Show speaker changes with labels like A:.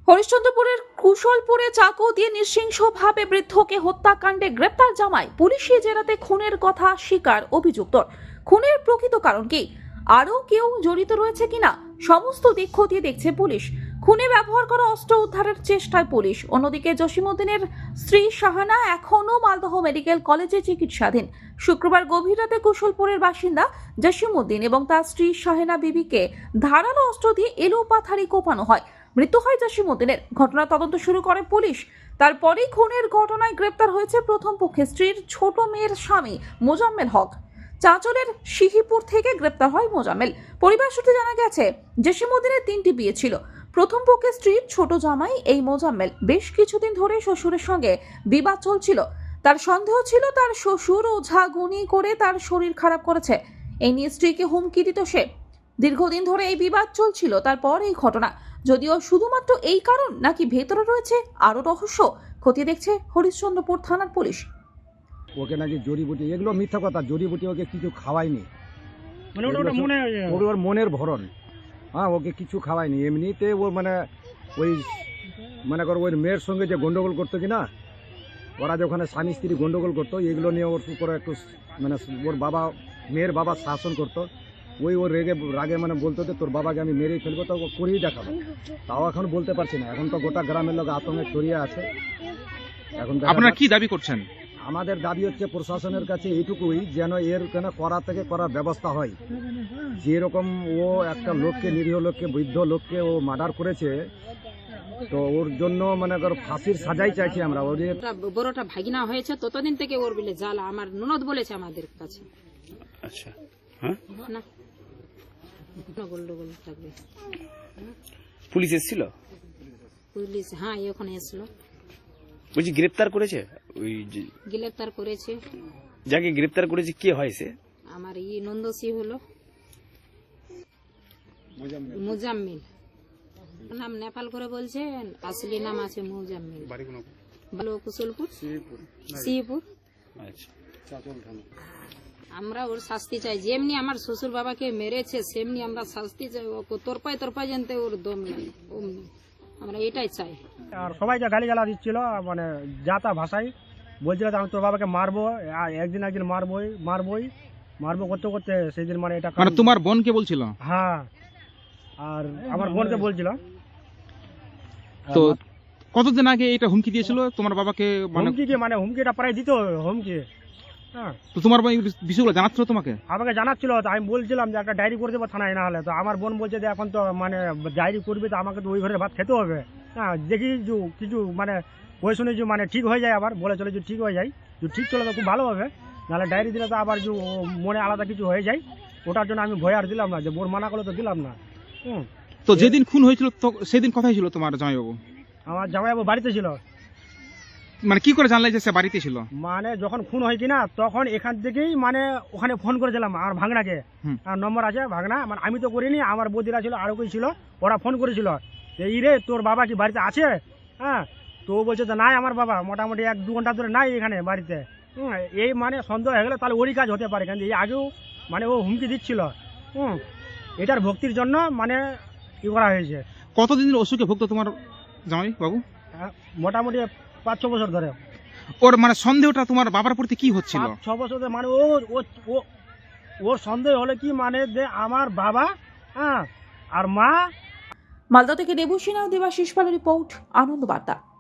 A: হরিশ্চন্দ্রপুরের কুশলপুরে চাকু দিয়ে নৃশংসভাবে বৃদ্ধকে হত্যাকাণ্ডে গ্রেপ্তার জামাই। পুলিশি জেরাতে খুনের কথা স্বীকার অভিযুক্তর। খুনের প্রকৃত কারণ কি, আরও কেউ জড়িত রয়েছে কিনা, সমস্ত দিক খতিয়ে দেখছে পুলিশ। খুনে ব্যবহার করা অস্ত্র উদ্ধারের চেষ্টায় পুলিশ। অন্যদিকে জসিমউদ্দিনের স্ত্রী শাহানা এখনও মালদহ মেডিকেল কলেজে চিকিৎসাধীন। শুক্রবার গভীর রাতে কুশলপুরের বাসিন্দা জসিমউদ্দিন এবং তার স্ত্রী শাহেনা বিবিকে ধারালো অস্ত্র দিয়ে এলোপাথারি কোপানো হয়। মৃত্যু হয় জসিমউদ্দিনের। ঘটনা তদন্ত শুরু করে পুলিশ। তারপরেই খুনের ঘটনায় গ্রেপ্তার হয়েছে প্রথম পক্ষের স্ত্রীর ছোট মেয়ের স্বামী মোজাম্মেল হক। চাঁচলের সিহিপুর থেকে গ্রেপ্তার হয় মোজাম্মেল। পরিবার সূত্রে জানা গেছে, জসিমউদ্দিনের 3টি বিয়ে ছিল। প্রথম পক্ষের স্ত্রীর ছোট জামাই এই মোজাম্মেল বেশ কিছুদিন ধরে শ্বশুরের সঙ্গে বিবাদ চলছিল। তার সন্দেহ ছিল তার শ্বশুর ওঝাগুনি করে তার শরীর খারাপ করেছে। এই নিয়ে স্ত্রীকে হুমকি দিত সে। দীর্ঘদিন ধরে এই বিবাদ চলছিল। তারপর এই ঘটনা। যদিও শুধুমাত্র এই কারণ নাকি ভেতরে রয়েছে আরো রহস্য, খতিয়ে দেখছে হরিশ্চন্দ্রপুর থানার পুলিশ।
B: ওকে নাকি জড়িবুটি, এগুলো মিথ্যা কথা। জড়িবুটি ওকে কিছু খাওয়ায়নি, ওর মনের ভরণ। হ্যাঁ, ওকে কিছু খাওয়ায়নি। এমনিতে ও ওই ওর মেয়ের সঙ্গে যে গন্ডগোল করতো কিনা, ওরা যখন স্বামী স্ত্রী গন্ডগোল করতো, এগুলো নিয়ে ওর উপরে একটু ওর বাবা, মেয়ের বাবা শাসন করতো। ওর রাগে বলতো যে তোর বাবাকে আমি মেরেই ফেলবো, তো ও করেই দেখাবো। তাও এখন বলতে পারছি না। এখন তো গোটা গ্রামের লোক আতঙ্কে ছড়িয়ে আছে। এখন
C: আপনারা কি দাবি করছেন?
B: আমাদের দাবি হচ্ছে প্রশাসনের কাছে এইটুকুই, যেন এর করা থেকে করার ব্যবস্থা হয়। যেরকম ও একটা লোককে, নিরীহ লোককে, বৃদ্ধ লোককে ও মার্ডার করেছে, তো ওর জন্য ফাঁসির সাজাই চাইছি আমরা। ওদের
D: বড়টা ভাগিনা হয়েছে ততদিন থেকে ওর বিলে জ্বালা আমার ননদ বলেছে আমাদের কাছে।
C: আচ্ছা, হ্যাঁ,
D: না গন্ডগোল থাকবে।
C: পুলিশ এসেছিল?
D: পুলিশ হ্যাঁ এখন এসলো।
C: বলছি গ্রেপ্তার করেছে? ওই
D: গ্রেপ্তার করেছে।
C: যাকে গ্রেপ্তার করেছে কে হয় সে?
D: আমার নন্দসী হলো মুজাম্মিল। নাম নেপাল করে বলছেন, আসলি নাম আছে মুজাম্মিল। ভালো কুশলপুর, সিহিপুর।
C: আচ্ছা,
D: আমরা ওর শাস্তি চাই। যেমনি আমার শ্বশুর বাবাকে মেরেছে সেমনি আমরা শাস্তি চাই। তোরপায় জানতে ওর দম নাই, আমরা এটাই চাই।
E: আর সবাইকে গালিগালা দিচ্ছিল, যাতা ভাষায় বলছিল আমি তোর বাবাকে মারবো, একদিন মারবো করতে করতে সেই দিন এটা
C: তোমার বোনকে বলছিল?
E: হ্যাঁ, আর আমার বোনকে বলছিল।
C: তো কতদিন আগে এটা হুমকি দিয়েছিল তোমার বাবাকে?
E: হুমকিটা প্রায় দিত হুমকি। হ্যাঁ,
C: তো তোমার বিষয়গুলো জানাচ্ছিল তোমাকে?
E: আমাকে জানাচ্ছিল। তো আমি বলছিলাম যে একটা ডায়েরি করে দেবো থানায়, না হলে। তো আমার বোন বলছে যে এখন তো ডায়েরি করবে, তো আমাকে তো ওই ঘরে ভাত খেতে হবে। হ্যাঁ, দেখি কিছু ওই শুনে ঠিক হয়ে যায়, আবার বলে চলে যে ঠিক হয়ে যায়। যদি ঠিক চলে তো খুব ভালো হবে, নাহলে ডায়েরি দিলে তো আবার মনে আলাদা কিছু হয়ে যায়। ওটার জন্য আমি ভয় আর দিলাম না, যে বোন মানা করলে তো দিলাম না।
C: তো যেদিন খুন হয়েছিল সেদিন কোথায় ছিল তোমার জামাইবাবু?
E: আমার জামাইবাবু বাড়িতে ছিল।
C: কি করে জানলে যে সে বাড়িতে ছিল?
E: যখন খুন হয় কিনা, তখন এখান থেকেই ওখানে ফোন করেছিলাম আমার ভাগনাকে। আর নম্বর আছে ভাগনা, আমি তো করিনি, আমার বৌদিরা ছিল, আরো কেউ ছিল, ওরা ফোন করেছিল এই রে তোর বাবা কি বাড়িতে আছে। হ্যাঁ, তো বলছে যে নাই আমার বাবা মোটামুটি 1-2 ঘন্টা ধরে নাই এখানে বাড়িতে। এই সন্দেহ হয়ে গেলে তাহলে ওরই কাজ হতে পারে, কিন্তু এই আগেও ও হুমকি দিচ্ছিল। এটার ভক্তির জন্য কি করা হয়েছে।
C: কতদিন অসুখে ভুগতো তোমার জামাই বাবু?
E: মোটামুটি 5-6 বছর ধরে।
C: ওর সন্দেহটা তোমার বাবার প্রতি কি হচ্ছিল?
E: 6 বছর ধরে ওর সন্দেহ হলে কি যে আমার বাবা আর মা।
A: মালদা থেকে দেবুসিনা দেবাশিস পালের রিপোর্ট, আনন্দ বার্তা।